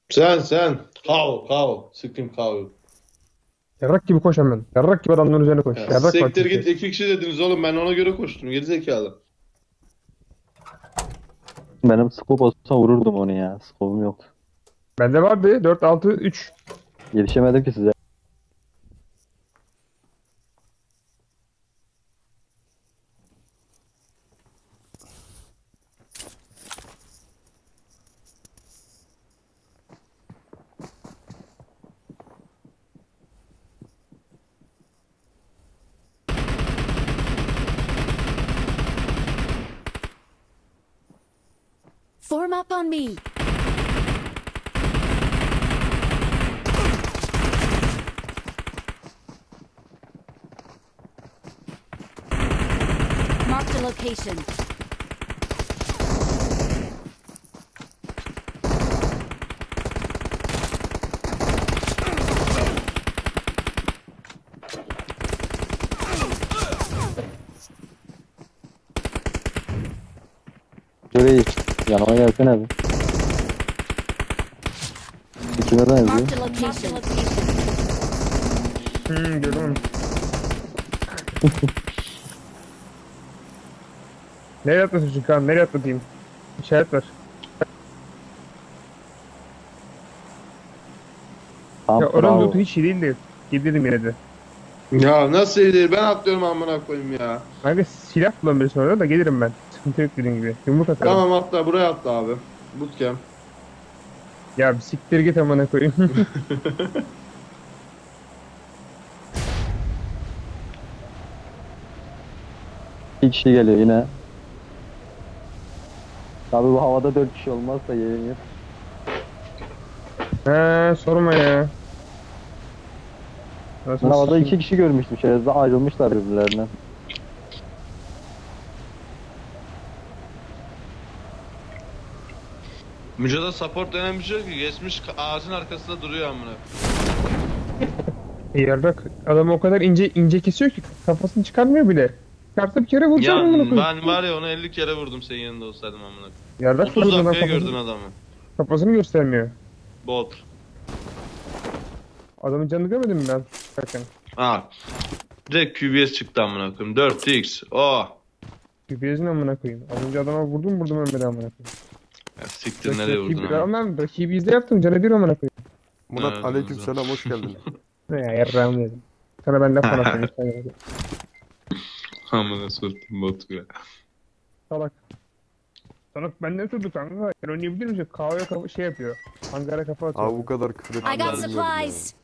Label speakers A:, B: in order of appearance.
A: Sen. Kav. Sıkayım kav.
B: Yarrak gibi koş hemen. Yarrak gibi adamların üzerine koş.
A: Ya,
B: Yarrak var
A: siktir
B: çünkü.
A: git, 2 kişi dediniz oğlum, ben ona göre koştum gerizekalı.
C: Benim scope olsa vururdum onu ya. Scope'um yok.
B: Bende vardı 4 6 3.
C: Yetişemedim ki size.
D: Form up on me. Marked a location.
C: Şurayı yanıma gelsene bir. İkime benziyor.
D: Marked a location.
B: Gördüm onu. Nereye atlasın Kaan? Nereye atlatayım? İşaret ver.
C: Tam
B: Ya oranın
C: bravo.
B: lootu hiç iyi değildi. Gidelim yine de.
A: Ya nasıl iyi değil, ben atlıyorum amına koyayım ya.
B: Kanka silah kullanabilirsin orada da gelirim ben. Sıkıntı yok dediğin gibi. Yumruk atarım.
A: Tamam, atla buraya, atla abi. Bootcamp.
B: Ya bir siktir git amına koyayım.
C: İki kişi geliyor yine. Tabii bu havada 4 kişi olmazsa yerin yok.
B: He sorma ya. Nasıl
C: Ben havada
B: sikeyim?
C: 2 kişi görmüştüm. Şerefsiz ayrılmışlar birbirlerinden.
A: Mücadele support denen bir şey yok ki, geçmiş ağacın arkasında duruyor amına.
B: Yarrak adamı o kadar ince kesiyor ki kafasını çıkarmıyor bile. Çıkarsa bir kere
A: Ya
B: vuracağım amına koyayım.
A: ben var ya, onu 50 kere vurdum senin yanında olsaydım amına.
B: Yarrak
A: 30
B: vurdu adam
A: dakikaya gördün
B: kafasını,
A: adamı.
B: kafasını göstermiyor.
A: Bot.
B: Adamın canını görmedin mi ben? Bakın.
A: Ha. Direkt QBS çıktı amına koyayım. 4x. Oh.
B: QPS'in amına koyayım. Az önce adama vurdum ölmedi amına koyayım.
A: Ya siktir, nereye vurdun
B: Rakibi,
A: ama?
B: ben rakibi izle yaptım canı bir amına koyayım.
E: Murat
A: Evet,
E: aleykümselam, hoş geldin.
B: Ne ya yarrağımı yedim. Sana ben laf anlatayım.
A: Amına soktum botu ya.
B: Salak. Salak benden sordu kanka. Sen oynayabilir misin? Kahveye kafa şey yapıyor. Hangara kafa atıyor.
E: Abi bu kadar küfür
D: I got
E: ettiğini bilmiyordum ya.
D: supplies.